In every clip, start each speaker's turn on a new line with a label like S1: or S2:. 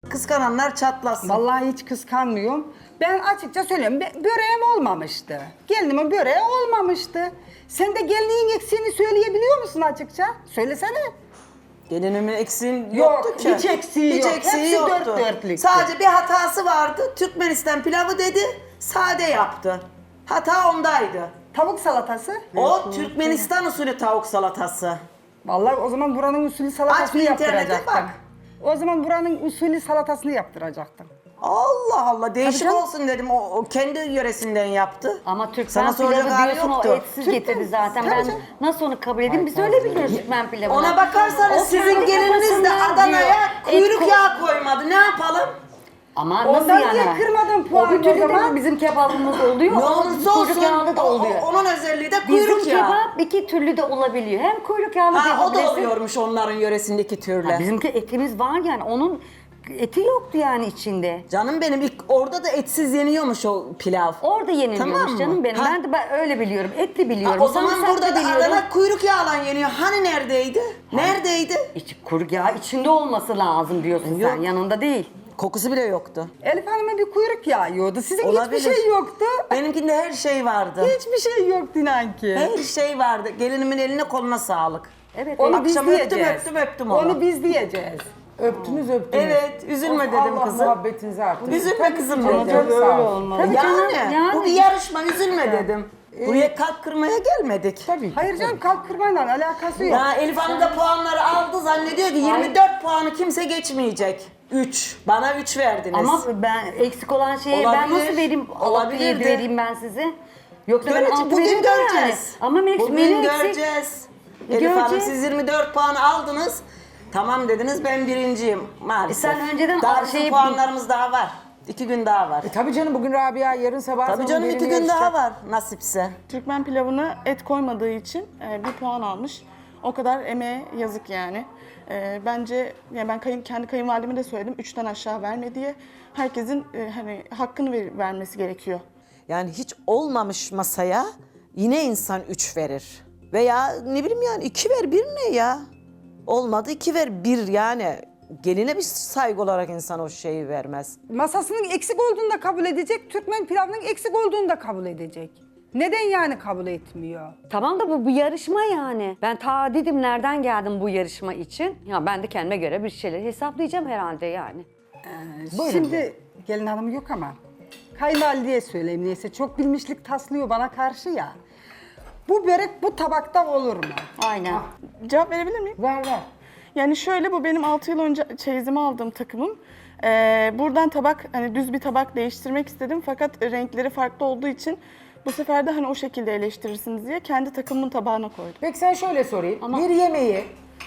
S1: Kıskananlar çatlasın.
S2: Vallahi hiç kıskanmıyorum. Ben açıkça söylüyorum, böreğim olmamıştı. Gelinimin böreği olmamıştı. Sen de gelinin eksiğini söyleyebiliyor musun açıkça? Söylesene.
S1: Gelinimin eksiğin
S2: Yok,
S1: yoktu ki.
S2: hiç eksiği yok. Hepsi
S1: yoktu.
S2: dört dörtlüktü.
S1: Sadece bir hatası vardı. Türkmenistan pilavı dedi, sade yaptı. Hata ondaydı.
S2: Tavuk salatası.
S1: O Türkmenistan usulü tavuk salatası.
S2: Vallahi o zaman buranın usulü
S1: Aç
S2: salatasını
S1: bir internete
S2: yaptıracaktım.
S1: bak.
S2: O zaman buranın usulü salatasını yaptıracaktım.
S1: Allah Allah, değişik
S2: Tabii canım.
S1: olsun dedim. O kendi yöresinden yaptı.
S3: Ama Türkmen
S1: Sana soracak
S3: pilavı
S1: hali
S3: diyorsun
S1: yoktu.
S3: o etsiz getirdi zaten.
S2: Tabii
S3: Ben
S2: canım.
S3: nasıl onu kabul edeyim? Biz öyle biliyoruz Türkmen pilavını.
S1: Ona bakarsanız
S3: O
S1: sizin
S3: kendi
S1: geliniz de
S3: kafasından
S1: Adana'ya
S3: diyor.
S1: kuyruk yağı koymadı. Ne yapalım?
S3: Ama
S2: Ondan
S3: nasıl yani?
S2: niye kırmadın puanı
S3: O bir türlü
S2: o zaman?
S3: de bizim kebabımız oluyor.
S1: Ne
S3: o
S1: olursa olsun
S3: kuyruk yağlı da oluyor.
S1: onun özelliği de
S3: Bizim
S1: kuyruk yağı.
S3: kebap iki türlü de olabiliyor. Hem kuyruk yağlı
S1: Ha, o da
S3: yapabilirsin.
S1: oluyormuş onların yöresindeki türle.
S3: Bizimki etimiz var yani. Onun eti yoktu yani içinde.
S1: Canım benim ilk orada da etsiz yeniyormuş o pilav.
S3: Orada yeniliyormuş
S1: Tamam mı?
S3: canım benim.
S1: Ha.
S3: Ben öyle biliyorum. Etli
S1: Ha,
S3: biliyorum.
S1: o zaman
S3: Sarımsaklı
S1: burada da
S3: biliyorum.
S1: Adana kuyruk yağla yeniyor. Hani neredeydi? Neredeydi?
S3: Kuyruk yağı içinde olması lazım diyorsun
S1: Yok.
S3: sen. Yanında değil.
S1: Kokusu bile yoktu.
S2: Elif Hanım'a bir kuyruk yağı yiyordu. Sizin
S1: Olabilir.
S2: hiçbir şey yoktu.
S1: Benimkinde her şey vardı.
S2: Hiçbir şey yoktu inan ki.
S1: Her şey vardı. Gelinimin eline koluna sağlık.
S3: Evet.
S2: Onu biz
S1: Akşam
S2: diyeceğiz.
S1: öptüm onu.
S2: Onu biz diyeceğiz.
S4: Öptünüz.
S1: Evet, üzülme dedim
S4: Allah
S1: kızım.
S4: muhabbetinizi artırsın.
S1: Üzülme kızım
S4: Canım
S1: dedim.
S4: sağ ol.
S2: olmaz.
S3: Tabii canım, yani.
S1: Bu bir yarışma, üzülme dedim. Buraya kalp kırmaya gelmedik.
S4: Tabii.
S2: Hayır canım kalp kırmayla alakası yok.
S1: Ya Elif Hanım da puanları aldı, zannediyor ki 24 puanı kimse geçmeyecek. 3. Bana 3 verdiniz.
S3: Ama ben eksik olan şeye ben
S1: Olabilir.
S3: nasıl vereyim?
S1: Olabilirdi.
S3: 6-7 vereyim ben size. Yoksa ben
S1: Göreceğiz,
S3: 6
S1: bugün
S3: veririm
S1: göreceğiz.
S3: yani. Ama
S1: Bugün
S3: menü eksik.
S1: göreceğiz. Elif Hanım
S3: Göreceğiz.
S1: siz 24 puanı aldınız. Tamam dediniz, ben birinciyim maalesef.
S3: Sen önceden
S1: daha
S3: şey-
S1: puanlarımız daha var. 2 gün daha var.
S4: Tabii canım bugün Rabia, yarın sabah
S1: Tabii
S4: sonu
S1: canım, 2
S4: gelini
S1: gün daha
S4: yarışacak.
S1: var nasipse.
S5: Türkmen pilavına et koymadığı için bir puan almış. O kadar emeğe yazık yani. Bence yani ben kendi kayınvalideme de söyledim. 3'ten aşağı verme diye. Herkesin hani hakkını vermesi gerekiyor.
S6: Yani hiç olmamış masaya yine insan 3 verir. Veya ne bileyim yani 2 ver 1 ne ya? Olmadı 2 ver 1 yani. Geline bir saygı olarak insan o şeyi vermez.
S2: Masasının eksik olduğunu da kabul edecek, Türkmen pilavının eksik olduğunu da kabul edecek. Neden yani kabul etmiyor?
S3: Tamam da bu bir yarışma yani. Ben ta dedim nereden geldim bu yarışma için. Ya ben de kendime göre bir şeyler hesaplayacağım herhalde yani.
S2: Şimdi gelin hanım yok ama kayınvalideye söyleyeyim neyse çok bilmişlik taslıyor bana karşı ya. Bu börek bu tabakta olur mu?
S3: Aynen.
S5: Cevap verebilir miyim?
S4: Ver.
S5: Yani şöyle, bu benim 6 yıl önce çeyizime aldığım takımım. Buradan tabak, hani düz bir tabak değiştirmek istedim fakat renkleri farklı olduğu için bu sefer de hani o şekilde eleştirirsiniz diye kendi takımımın tabağına koydum.
S4: Peki sen şöyle sorayım. Bir yemeği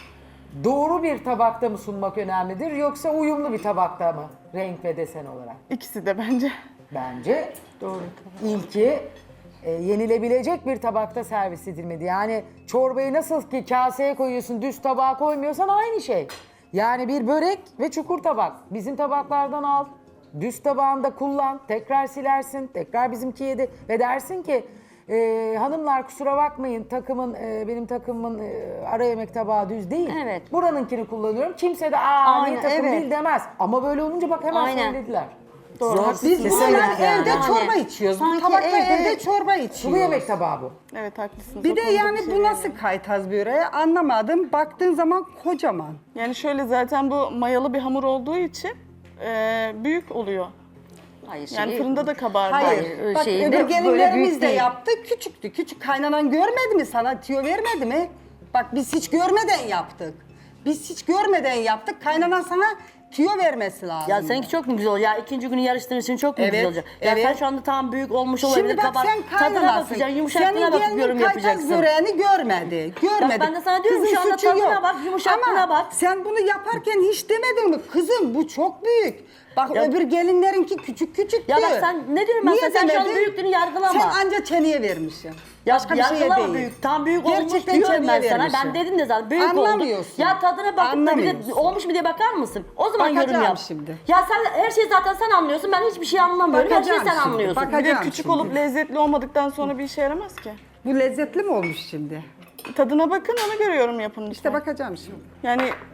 S4: doğru bir tabakta mı sunmak önemlidir yoksa uyumlu bir tabakta mı renk ve desen olarak?
S5: İkisi de bence.
S4: Bence doğru. İlki yenilebilecek bir tabakta servis edilmedi. Yani çorbayı nasıl ki kaseye koyuyorsun, düz tabağa koymuyorsan aynı şey. Yani bir börek ve çukur tabak. Bizim tabaklardan al, düz tabağında kullan, tekrar silersin, tekrar bizimki yedi ve dersin ki hanımlar kusura bakmayın benim takımımın ara yemek tabağı düz değil.
S3: Evet.
S4: Buranınkini kullanıyorum. Kimse de niye
S3: Aynen,
S4: takım
S3: evet.
S4: değil demez. Ama böyle olunca bak hemen
S3: Aynen.
S4: söylediler.
S1: Zor.
S2: Biz
S1: Kesinlikle
S2: bununla
S1: yani.
S2: evde çorba içiyoruz. Bu
S3: Sanki
S2: tabakta
S3: evde-
S2: evde çorba
S4: Sulu
S2: içiyoruz.
S4: yemek tabağı bu.
S5: Evet, haklısınız.
S2: Bir
S5: O
S2: de
S5: konuda
S2: yani
S5: bir şey
S2: bu nasıl
S5: diyemem.
S2: kaytaz böreği anlamadım. Baktığın zaman kocaman.
S5: Yani şöyle, zaten bu mayalı bir hamur olduğu için büyük oluyor.
S3: Hayır,
S5: Yani fırında da kabardı.
S2: Hayır. Bak
S3: şeyinde
S2: öbür
S3: böyle
S2: gelinlerimiz
S3: büyük
S2: de
S3: değil.
S2: yaptı. Küçüktü. Küçük kaynanan görmedi mi sana? Tüyo vermedi mi? Bak biz hiç görmeden yaptık. Biz hiç görmeden yaptık. Kaynanan sana tüyo vermesi lazım.
S7: Ya seninki çok mu güzel olacak? Ya ikinci günü yarıştığın için çok mu
S2: Evet,
S7: güzel olacak? Ya
S2: evet.
S7: sen şu anda tam büyük olmuş olabilir.
S2: Şimdi bak sen
S7: Tadına
S2: kaynanasın.
S7: bakacaksın, yumuşaklığına
S2: Senin
S7: bakıp
S2: gelinin
S7: yorum
S2: kaytaz
S7: yapacaksın.
S2: böreğini görmedi. Görmedi.
S7: ben de sana diyorum,
S2: Kızın
S7: şu anda
S2: suçu
S7: tadına
S2: yok.
S7: bak, yumuşaklığına
S2: Ama
S7: bak.
S2: sen bunu yaparken hiç demedin mi? Kızım bu çok büyük. Bak
S7: Ya-
S2: öbür gelinlerinki küçük küçük
S7: Ya bak
S2: diyor.
S7: sen ne diyorum ben
S2: Niye
S7: sana? Sen şu an
S2: demedin?
S7: büyüklüğünü yargılama.
S2: Sen anca çeneye vermişsin.
S7: Ya
S2: Başka bir şeye
S7: yargılama
S2: değil.
S7: büyük. Tam büyük olmuş
S2: Gerçekten
S7: diyorum
S2: çeneye
S7: ben sana.
S2: vermişsin.
S7: Ben dedim de zaten büyük oldu.
S2: Anlamıyorsun.
S7: Ya tadına bakıp da bir de
S2: Anlamıyorsun.
S7: olmuş mu diye bakar mısın? O zaman yorum
S2: Bakacağım
S7: yap.
S2: şimdi.
S7: Ya sen her şeyi zaten sen anlıyorsun. Ben hiçbir şey anlamıyorum. Her şeyi
S2: Bakacağım
S7: sen
S2: şimdi,
S7: anlıyorsun.
S2: bakacağım.
S5: Bir de küçük
S2: şimdi.
S5: olup lezzetli olmadıktan sonra bir işe yaramaz ki.
S2: Bu lezzetli mi olmuş şimdi?
S5: Tadına bakın, ona göre yorum yapın
S2: İşte
S5: lütfen.
S2: bakacağım şimdi.
S5: Yani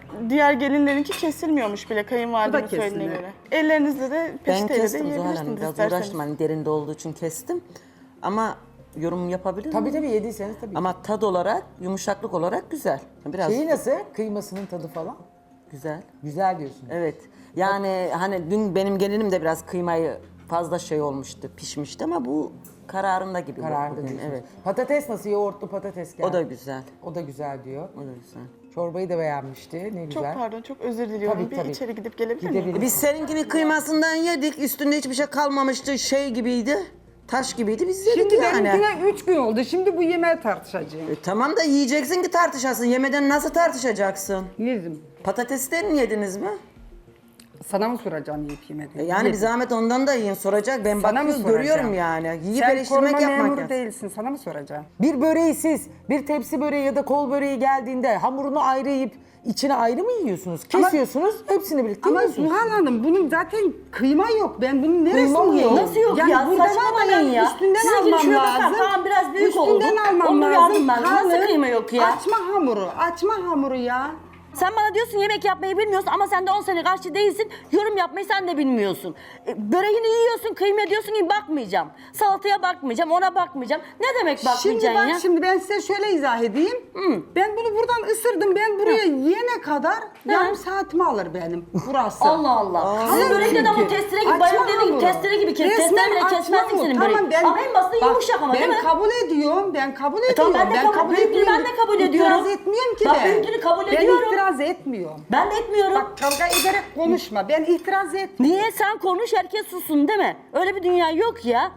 S5: diğer gelinlerinki kesilmiyormuş bile kayınvalidemin
S2: Bu da
S5: söylediğine
S2: kesilmiyor.
S5: göre. Ellerinizle de
S1: Ben
S5: peçeteyle de
S1: kestim Zuhal Hanım.
S5: yiyebilirsiniz
S1: Biraz
S5: isterseniz.
S1: uğraştım. Hani derinde olduğu için kestim. Ama yorum yapabilir
S4: Tabii
S1: miyim?
S4: tabii yediyseniz tabii.
S1: Ama tad olarak, yumuşaklık olarak güzel. Biraz
S4: Şeyi nasıl? Kıymasının tadı falan.
S1: güzel.
S4: Güzel diyorsun.
S1: Evet. Yani hani dün benim gelinim de biraz kıymayı fazla şey olmuştu, pişmişti ama bu kararında gibi.
S4: Kararlı
S1: bugün.
S4: diyorsunuz.
S1: Evet.
S4: Patates nasıl? Yoğurtlu patates geldi.
S1: O da güzel.
S4: O da güzel diyor.
S1: O da güzel.
S4: Çorbayı da beğenmişti. Ne
S5: Çok
S4: güzel.
S5: pardon, çok özür diliyorum.
S4: Tabii,
S5: bir
S4: tabii.
S5: içeri gidip gelebilir miyim?
S4: Gidebilir.
S1: Biz seninkinin kıymasından yedik. Üstünde hiçbir şey kalmamıştı. Şey gibiydi. Taş gibiydi. Biz yedik
S2: Şimdi
S1: yani.
S2: benimkine 3 gün oldu. Şimdi bu yemeği tartışacağım.
S1: Tamam da yiyeceksin ki tartışasın. Yemeden nasıl tartışacaksın?
S2: Yedim.
S1: Patatesten yediniz mi?
S2: Sana mı soracağım yiyip yemediğini?
S1: Yani bir zahmet ondan da yiyin soracak. Ben
S2: Sana mı
S1: bakıyorum
S2: soracağım?
S1: görüyorum yani. Yiyip
S2: Sen
S1: eleştirmek
S2: koruma
S1: yapmak
S2: memuru
S1: lazım.
S2: değilsin. Sana mı soracağım?
S4: Bir böreği siz, bir tepsi böreği ya da kol böreği geldiğinde hamurunu ayrı yiyip içine ayrı mı yiyorsunuz? Kesiyorsunuz, hepsini birlikte
S2: Ama
S4: yiyorsunuz.
S2: Zuhal Hanım bunun zaten kıyma yok. Ben bunun
S4: Kıyma
S2: neresini
S4: mı
S2: yiyeyim?
S4: yok?
S7: Nasıl yok
S2: yani
S7: ya?
S2: burada var
S7: Saçmalamayın
S2: ben
S7: ya.
S2: Üstünden
S7: Sizinkini
S2: almam
S7: şuraya bakar.
S2: lazım.
S7: Tamam, biraz büyük
S2: üstünden
S7: oldu.
S2: almam
S7: Onu
S2: lazım.
S7: yardım ben. Nasıl
S2: Kalın,
S7: kıyma yok ya?
S2: Açma hamuru ya.
S7: Sen bana diyorsun yemek yapmayı bilmiyorsun ama sen de 10 sene karşı değilsin. Yorum yapmayı sen de bilmiyorsun. Böreğini yiyorsun, kıyma diyorsun ki bakmayacağım. Salataya bakmayacağım, ona bakmayacağım. Ne demek
S2: Şimdi
S7: bakmayacaksın ya?
S2: şimdi ben size şöyle izah edeyim. Ben bunu buradan ısırdım. Ben buraya yiyene kadar yarım saatimi alır benim burası.
S7: Allah Allah. Sizin
S2: Kalın
S7: börekte de ama
S2: çünkü.
S7: testere gibi,
S2: Açma
S7: bayım dediğin gibi
S2: hamuru.
S7: testere gibi kes.
S2: Resmen
S7: Testere bile
S2: açma
S7: kesmezsin
S2: hamuru.
S7: senin böreğin.
S2: Tamam, ben,
S7: Ama en basiti
S2: bak,
S7: yumuşak ama değil mi?
S2: Ben kabul ediyorum. Ben kabul ediyorum.
S7: tamam, ben de kabul- büyüklüğü ben de kabul ediyorum.
S2: İtiraz etmiyorum ki
S7: Bak,
S2: ben.
S7: büyüklüğünü kabul ediyorum.
S2: Ben itiraz etmiyorum.
S7: Ben de etmiyorum.
S2: Bak kavga ederek konuşma. Ben itiraz etmiyorum.
S7: Niye sen konuş herkes sussun değil mi? Öyle bir dünya yok ya.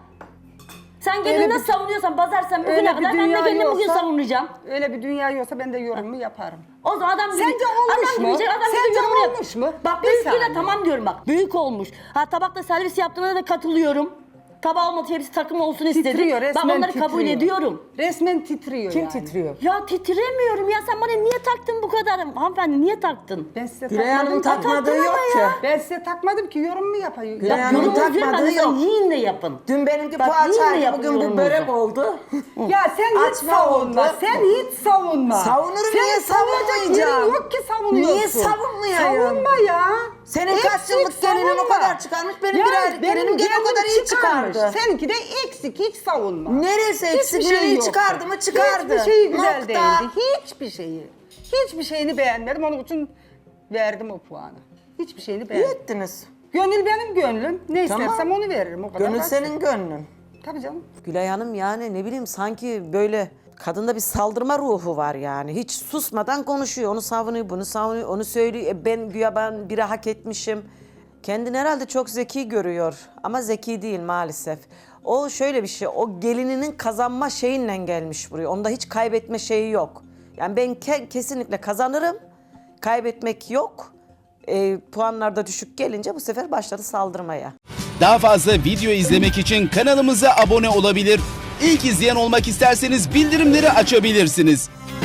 S7: Sen gelini
S2: Öyle
S7: nasıl savunuyorsan pazarsan bugüne
S2: Öyle bir
S7: kadar ben de
S2: dünya
S7: gelini bugün
S2: yoksa-
S7: savunacağım.
S2: Öyle bir dünya yoksa ben de yorumumu yaparım.
S7: O zaman adam gibi,
S2: Sence olmuş
S7: adam
S2: mu?
S7: Gidecek, adam
S2: Sence
S7: gidecek, yorumunu yap.
S2: olmuş mu?
S7: Bak
S2: Bir
S7: büyüklüğüne
S2: saniye.
S7: tamam diyorum bak. Büyük olmuş. Ha tabakta servis yaptığına da katılıyorum. Tabağı olmadı hepsi takım olsun istedi.
S2: Titriyor,
S7: Ben
S2: resmen
S7: onları kabul
S2: titriyor.
S7: ediyorum.
S2: Resmen titriyor
S4: Kim
S2: yani.
S4: titriyor?
S7: Ya titremiyorum ya sen bana niye taktın bu kadar? Hanımefendi niye taktın?
S2: Ben size
S1: Gülay Hanım'ın
S2: takmadım.
S1: takmadığı
S7: taktın
S1: yok
S7: ama
S1: ki.
S7: ya.
S2: Ben size takmadım ki yorumumu yapayım.
S1: Gülay
S7: Ya
S1: Hanım'ın
S7: yorumunuzu
S1: takmadığı
S7: yapın,
S1: yok.
S7: yiyin de yapın.
S1: Dün benimki
S7: Bak, yine
S1: poğaçaydı, bugün bu
S7: yapıyorum
S1: börek
S7: bunu.
S1: oldu.
S2: Ya sen hiç
S1: Açma
S2: savunma.
S1: oldu.
S2: Sen hiç savunma.
S1: Savunurum,
S2: Senin
S1: niye
S2: savunacak
S1: savunmayacağım?
S2: yerin yok ki savunuyorsun.
S1: Niye savunmayayım?
S2: Savunma ya.
S1: Senin kaç
S2: Eksik
S1: yıllık gelinin o
S2: savunma.
S1: kadar çıkarmış, benim
S2: Ya
S1: bir aylık gelinim gene o kadar iyi çıkardı.
S2: Seninki de eksik, hiç savunma.
S1: Neresi eksik?
S2: Hiçbir
S1: Neyi
S2: yoktu.
S1: çıkardı mı çıkardı.
S2: Hiçbir şeyi güzel
S1: Nokta.
S2: değildi. Hiçbir şeyi. Hiçbir şeyini beğenmedim. Onun için verdim o puanı. Hiçbir şeyini
S1: İyi
S2: beğenmedim.
S1: ettiniz.
S2: Gönül benim gönlüm. Ne
S1: Tamam.
S2: istersem onu veririm. O kadar
S1: Gönül
S2: basit.
S1: senin gönlün.
S2: Tabii canım.
S6: Gülay Hanım yani ne bileyim sanki böyle kadında bir saldırma ruhu var yani. Hiç susmadan konuşuyor. Onu savunuyor, bunu savunuyor, onu söylüyor. Ben güya ben biri hak etmişim. Kendini herhalde çok zeki görüyor ama zeki değil maalesef. O şöyle bir şey, o gelininin kazanma şeyinle gelmiş buraya. Onda hiç kaybetme şeyi yok. Yani ben kesinlikle kazanırım, kaybetmek yok. Puanlarda düşük gelince bu sefer başladı saldırmaya.
S8: Daha fazla video izlemek için kanalımıza abone olabilir. İlk izleyen olmak isterseniz bildirimleri açabilirsiniz.